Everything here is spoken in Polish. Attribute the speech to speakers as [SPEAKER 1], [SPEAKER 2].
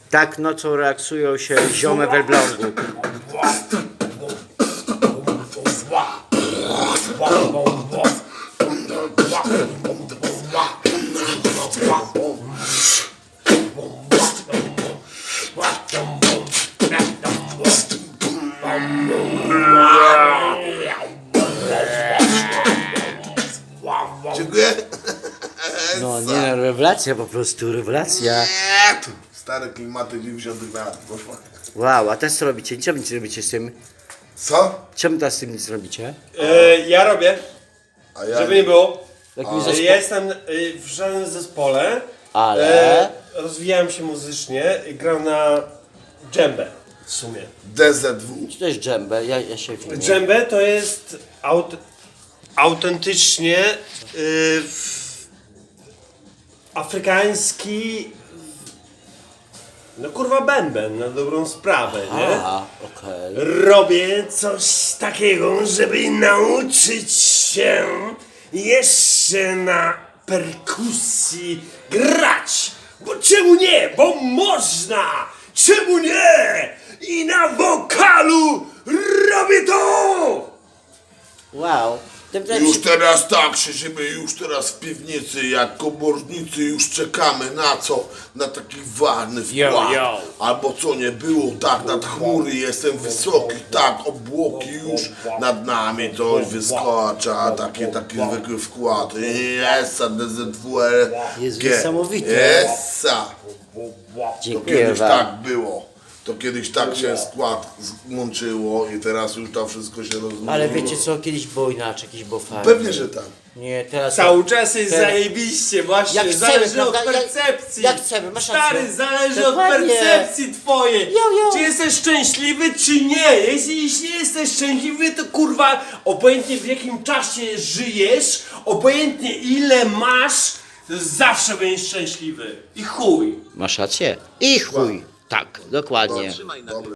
[SPEAKER 1] Tak nocą relaksują się ziomy w Elblągu.
[SPEAKER 2] Dziękuję.
[SPEAKER 1] No nie, no, rewelacja po prostu, rewelacja.
[SPEAKER 2] Stare klimaty 90 lat, poszła.
[SPEAKER 1] Wow, a teraz co robicie? Czemu nic nie robicie z tym?
[SPEAKER 2] Co?
[SPEAKER 1] Czemu teraz z tym nic robicie?
[SPEAKER 3] Ja robię,
[SPEAKER 2] A ja...
[SPEAKER 3] żeby nie było.
[SPEAKER 1] Jakim zespo...
[SPEAKER 3] Ja jestem w żadnym zespole,
[SPEAKER 1] Ale...
[SPEAKER 3] rozwijałem się muzycznie i gram na dżembę w sumie.
[SPEAKER 2] DZW.
[SPEAKER 1] Co to jest dżembę? Ja się filmuję.
[SPEAKER 3] Dżembę to jest autentycznie afrykański, no kurwa bęben na dobrą sprawę, nie?
[SPEAKER 1] A, okej.
[SPEAKER 3] Robię coś takiego, żeby nauczyć się jeszcze na perkusji grać. Bo czemu nie? Bo można! Czemu nie? I na wokalu robię to!
[SPEAKER 1] Wow.
[SPEAKER 2] Już teraz tak, siedzimy już teraz w piwnicy, jak komornicy już czekamy na co? Na taki ważny wkład.
[SPEAKER 1] yo.
[SPEAKER 2] Albo co nie było, tak nad chmury jestem wysoki, tak obłoki już nad nami coś wyskocza, taki zwykły wkład. Essa, DZWR.
[SPEAKER 1] Jest niesamowite.
[SPEAKER 2] Essa. To
[SPEAKER 1] Dziękuję
[SPEAKER 2] kiedyś
[SPEAKER 1] wam.
[SPEAKER 2] tak było. To kiedyś tak się skład złączyło i teraz już to wszystko się rozmyło.
[SPEAKER 1] Ale wiecie co, kiedyś było inaczej, kiedyś było fajnie.
[SPEAKER 2] Pewnie, że tak.
[SPEAKER 1] Nie, teraz...
[SPEAKER 3] Cały czas jest
[SPEAKER 1] Teraz-
[SPEAKER 3] zajebiście, właśnie,
[SPEAKER 1] Jak chcemy,
[SPEAKER 3] zależy od
[SPEAKER 1] prawda?
[SPEAKER 3] percepcji.
[SPEAKER 1] Jak chcemy, masz
[SPEAKER 3] Stary,
[SPEAKER 1] rację.
[SPEAKER 3] zależy
[SPEAKER 1] Dokładnie.
[SPEAKER 3] od percepcji twojej.
[SPEAKER 1] Jo.
[SPEAKER 3] Czy jesteś szczęśliwy, czy nie? Jeśli nie jesteś szczęśliwy, to kurwa, obojętnie w jakim czasie żyjesz, obojętnie ile masz, to zawsze będziesz szczęśliwy. I chuj.
[SPEAKER 1] Masz rację. I chuj. Tak, dokładnie.
[SPEAKER 2] Dobry.